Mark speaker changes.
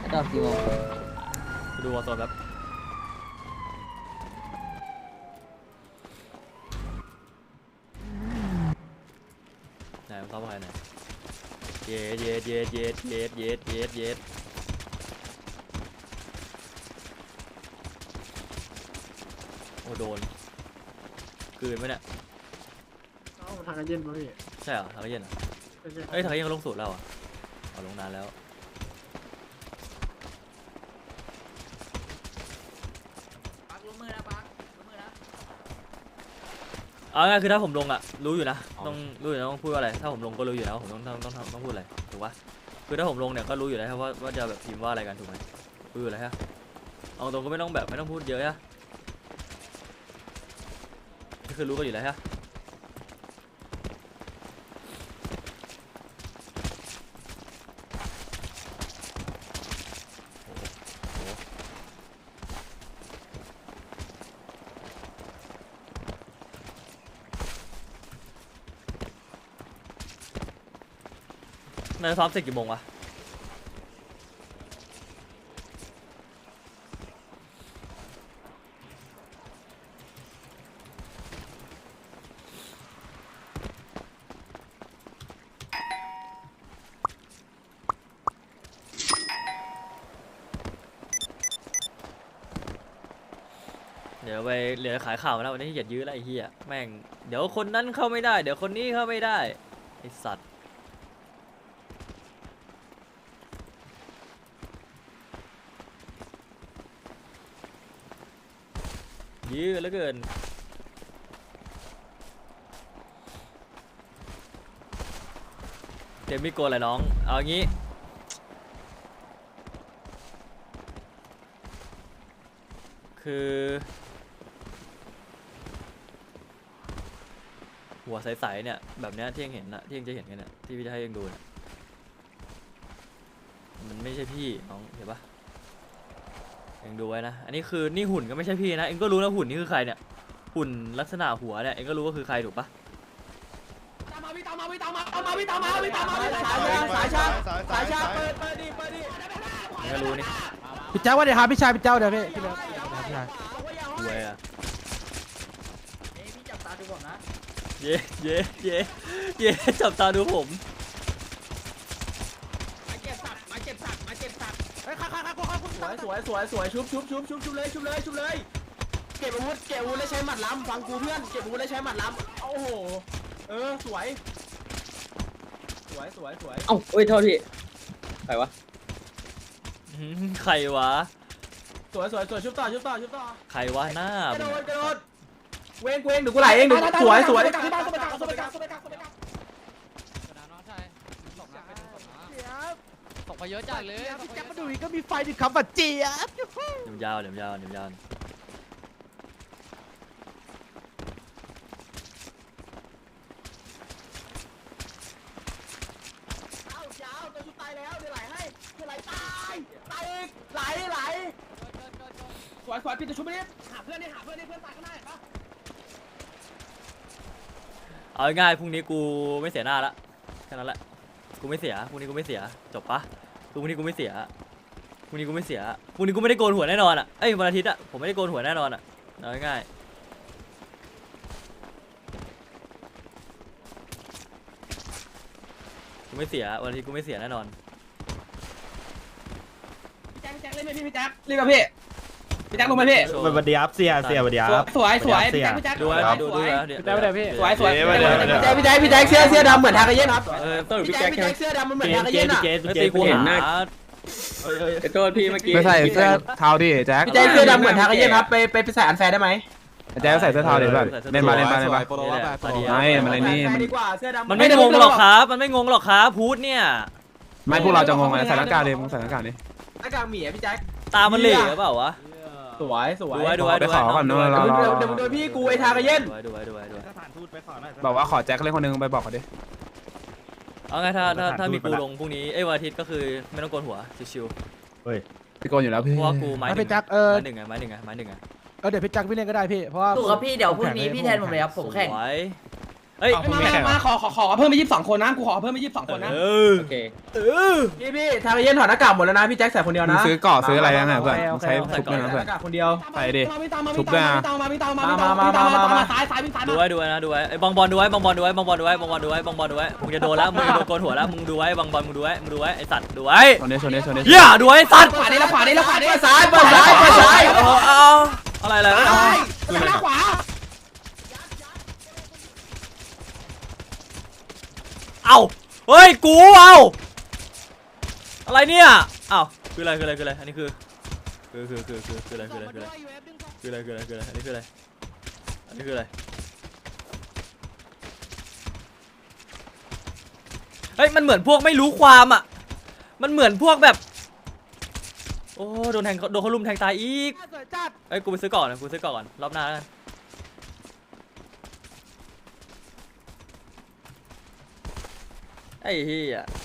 Speaker 1: กลับกี่โมง
Speaker 2: ดูวอลโซนแบบไหนมันเข้าไปไหนเย็ดเย็ดเย็ดเย็ดเย็ดเย็ดเย็ดเย็ดโอ้โดนกลืนไหมเนี่ย
Speaker 3: ทางกันเย็นป่ะพี่
Speaker 2: ใช่เหรอทางเย็นเหรอเอ้ยทางเย็นก็ลงสูตรแล้วอ่ะเอาลงนานแล้วเอาง่ายคือถ้าผมลงอ่ะรู้อยู่นะต้องรู้อยู่นะต้องพูดว่าอะไรถ้าผมลงก็รู้อยู่นะว่าผมต้องพูดอะไรถูกปะคือถ้าผมลงเนี่ยก็รู้อยู่แล้วว่าจะแบบพิมพ์ว่าอะไรกันถูกไหมรู้อยู่แล้วฮะเอาตรงก็ไม่ต้องพูดเยอะฮะนี่คือรู้กันอยู่แล้วฮะนายซ้อมเสร็จกี่โมงวะเดี๋ยวไปเหลือขายข่าวแล้ววันนี้เหยียดยื้อแล้วไอ้เหี้ยแม่งเดี๋ยวคนนั้นเข้าไม่ได้เดี๋ยวคนนี้เข้าไม่ได้ไอ้สัตว์ยื้อเหลือเกินเต็มไม่โกนอะไรน้องเอางี้คือหัวใสๆเนี่ยแบบเนี้ยที่เองเห็นนะที่เองจะเห็นกันเนี่ยที่พี่จะให้เองดูเนี่ยมันไม่ใช่พี่น้องเห็นปะเองดูไว้นะอันนี้คือนี่หุ่นก็ไม่ใช่พี่นะเองก็รู้นะหุ่นนี่คือใครเนี่ยหุ่นลักษณะหัวเนี่ยเองก็รู้ว่าคือใครถูกปะสายชาเปิดดิเองก็รู้นี่
Speaker 3: พี่เจ้าว่าเดี๋ยวครับพี่ชายพี่เจ้าเดี๋ยวพี่เลิฟพี่ชาย
Speaker 2: รวยอะเย่เย่เย่เย่จับตาดูผม
Speaker 4: สวยชุบเลยเก็บอาวุธแล้วใช้หมัดล้ำฟังกูเพื่อนเก็บอาวุธแล้วใช้หมัดล้ำโอ้โหสวย
Speaker 1: เอ้าเอ้ยโทษพี่ใครวะ
Speaker 2: ใครวะ
Speaker 4: สวยชุบต่อ
Speaker 2: ใครวะหน้าก
Speaker 4: ระโดดเว้งเดี๋ยวกูไหลเองเดี๋ยวสวย
Speaker 5: ส่งไปเยอะจัดเลย
Speaker 3: พี่แจ๊คมาดูอีกก็มีไฟดิครับบัดเจี๊ยบ
Speaker 2: ยาวเดี๋ยวยาว
Speaker 4: จะชุบตายแล้วเดี๋ยวไหลให้เดี๋ยวไหลตายอีกไหลสวยพี่จะชุบไปดิหาเพื่อนเพื่อนตายข้างหน้าเห็นปะ
Speaker 2: เอาง่ายๆพรุ่งนี้กูไม่เสียหน้าละแค่นั้นแหละกูไม่เสียพรุ่งนี้กูไม่เสียจบปะคือพรุ่งนี้กูไม่เสียพรุ่งนี้กูไม่ได้โกนหัวแน่นอนอ่ะเอ้ยวันอาทิตย์อ่ะผมไม่ได้โกนหัวแน่นอนอ่ะเอาง่ายๆกูไม่เสียวันอาทิตย์กูไม่เสียแน่นอน
Speaker 4: พี่แจ็คเล่นไหมพี่แจ็คเล่นกับพี่แจ็คลงมาพี่
Speaker 6: สวัสดีครับเสียสวัสดีครับ
Speaker 4: สวยพี่แจ็ค
Speaker 2: ดูไว้ดูแล้วเดี๋ยวพี่
Speaker 4: สวยพี่แจ็คเสื้อดำเหมือนทากาเย็นครับ
Speaker 1: ต้องอยู่
Speaker 4: พี่
Speaker 1: พี่
Speaker 4: แจ็
Speaker 1: แจ็
Speaker 4: ค
Speaker 1: ค
Speaker 4: เสื้อดำมันเหมือนทากาเย็นอ่ะ
Speaker 2: ไม่ตีกูเห็นหน้า
Speaker 1: โทษพี่เมื่อกี้
Speaker 3: ไม่ใส่เสื้อเทาดิแจ็ค
Speaker 4: พี่แจ็คเสื้อดำเหมือนทากาเย็นครับไปใส่อันแฟร์ได้ไหม
Speaker 3: แจ็คใส่เสื้อเทาดิแบบเล่นมาไม่มันอะไรนี่
Speaker 4: ดีกว่าเสื้อดำ
Speaker 2: มันไม่งงหรอกครับมันไม่งงหรอกครับพูดเนี่ย
Speaker 3: ไม่พวกเราจะงงอะไรใส่หน้ากากดิมึงใส่หน้ากากดิ
Speaker 4: หน้ากากหมีพี่แจ็ค
Speaker 2: ตามันเหล่หรือเปล่าวะ
Speaker 4: สวย
Speaker 2: ดูไว้
Speaker 3: ไปขอก่อนเนอะ
Speaker 4: เดี๋ยวโดนพี่กูไอ้ทากาเย็น
Speaker 2: ดูไว้
Speaker 6: สถานทูตไปขอหน่อย
Speaker 3: บอกว่าขอแจ็คเล่นคนนึงไปบอกเขาดิ
Speaker 2: เอาไงถ้ามีกูลงพรุ่งนี้วันอาทิตย์ก็คือไม่ต้องโกนหัวชิว
Speaker 3: พี่โกนอยู่แล้วพี่
Speaker 2: ๆเพราะว่ากูไม้หนึ่ง
Speaker 3: พี่แจ็ค
Speaker 2: ไม้หนึ่งไง
Speaker 3: เดี๋ยวพี่แจ็คพี่เล่นก็ได้พี่เพราะว่า
Speaker 7: ถูกครับพี่เดี๋ยวพรุ่งนี้พี่แทนผมเลยครับผมแข่ง
Speaker 2: สวยเฮ้ย
Speaker 4: มาขอเพิ่มไป22 คนนะกูขอเพิ่มไป22 คนนะ
Speaker 1: โอเค
Speaker 4: พี่ทางเย็นถอดหน้ากากหมดแล้วนะพี่แจ็คใส่คนเดียว
Speaker 3: มึง
Speaker 4: นะ
Speaker 3: ซื้อเกาะซื้ออะไรนั่นน่ะเพื่อนใช้ทุบด้วยนะเพื่อน
Speaker 4: หน้ากากคนเดียว
Speaker 3: ใส่ดิ
Speaker 4: มา
Speaker 3: ทุบด้วยนะ
Speaker 4: ซ้ายวิ่งซ้าย
Speaker 2: ดูไว้ดูไว้นะดูไว้ไอ้บอลดูไว้บอลดูไว้บอลดูไว้บอลดูไว้บอลดูไว้มึงจะโดนแล้วมึงจะโดนโกนหัวแล้วมึงดูไว้บอลมึงดูไว้ไอ้สัตว์ดูไว้
Speaker 3: ชนดิ
Speaker 2: เหี้ยดูไว้ไอ้สัตว์
Speaker 4: ขวานี่แล้วขวานี่ซ้ายซ้าย
Speaker 2: เอาอะไรอะไร
Speaker 4: หน้าขวา
Speaker 2: เอาเฮ้ยกูเอาอะไรเนี่ยเอาคืออะไรอันนี้คืออะไรอันนี้คืออะไรเฮ้ยมันเหมือนพวกไม่รู้ความอ่ะมันเหมือนพวกแบบโอ้โดนเขาลุมแทงตายอีกเอ้ยกูไปซื้อก่อนรอบหน้าแล้วกันไอ้เหี้ย